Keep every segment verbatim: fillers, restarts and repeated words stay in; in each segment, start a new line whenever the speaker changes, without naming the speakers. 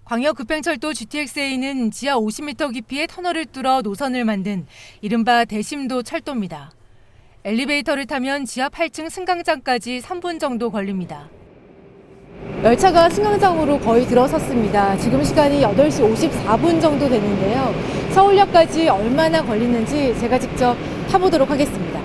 광역급행철도 지티엑스에이는 지하 오십 미터 깊이의 터널을 뚫어 노선을 만든 이른바 대심도 철도입니다. 엘리베이터를 타면 지하 팔 층 승강장까지 삼 분 정도 걸립니다. 열차가 승강장으로 거의 들어섰습니다. 지금 시간이 여덟 시 오십사 분 정도 되는데요. 서울역까지 얼마나 걸리는지 제가 직접 타보도록 하겠습니다.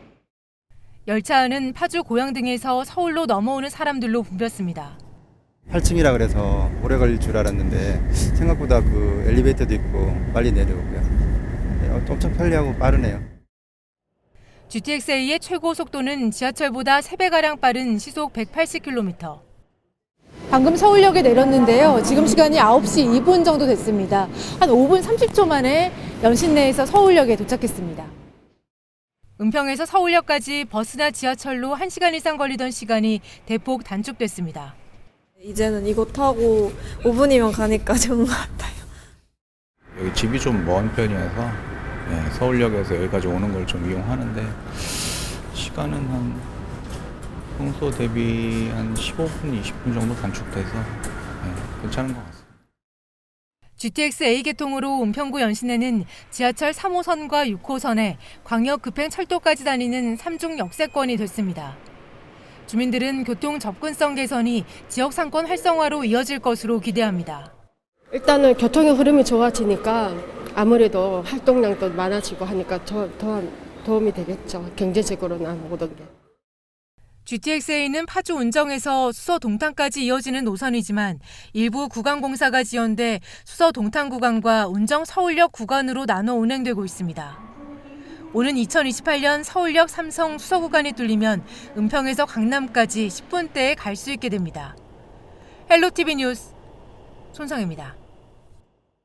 열차 안은 파주, 고양 등에서 서울로 넘어오는 사람들로 붐볐습니다.
팔 층이라 그래서 오래 걸릴 줄 알았는데 생각보다 그 엘리베이터도 있고 빨리 내려오고요. 네, 엄청 편리하고 빠르네요.
지티엑스에이의 최고 속도는 지하철보다 세 배가량 빠른 시속 백팔십 킬로미터. 방금 서울역에 내렸는데요. 지금 시간이 아홉 시 이 분 정도 됐습니다. 한 오 분 삼십 초 만에 연신내에서 서울역에 도착했습니다. 은평에서 서울역까지 버스나 지하철로 한 시간 이상 걸리던 시간이 대폭 단축됐습니다.
이제는 이거 타고 오 분이면 가니까 좋은 것 같아요.
여기 집이 좀 먼 편이어서 네, 서울역에서 여기까지 오는 걸 좀 이용하는데 시간은 한 평소 대비 한 십오 분, 이십 분 정도 단축돼서 네, 괜찮은 것 같습니다.
지티엑스에이 개통으로 은평구 연신내는 지하철 삼 호선과 육 호선에 광역급행철도까지 다니는 삼중 역세권이 됐습니다. 주민들은 교통 접근성 개선이 지역 상권 활성화로 이어질 것으로 기대합니다.
일단은 교통의 흐름이 좋아지니까 아무래도 활동량도 많아지고 하니까 더, 더 도움이 되겠죠. 경제적으로나 모든 게.
지티엑스에이는 파주 운정에서 수서 동탄까지 이어지는 노선이지만 일부 구간 공사가 지연돼 수서 동탄 구간과 운정 서울역 구간으로 나눠 운행되고 있습니다. 오는 이천이십팔 년 서울역 삼성 수서 구간이 뚫리면 은평에서 강남까지 십 분대에 갈 수 있게 됩니다. 헬로티비 뉴스 손성혜입니다.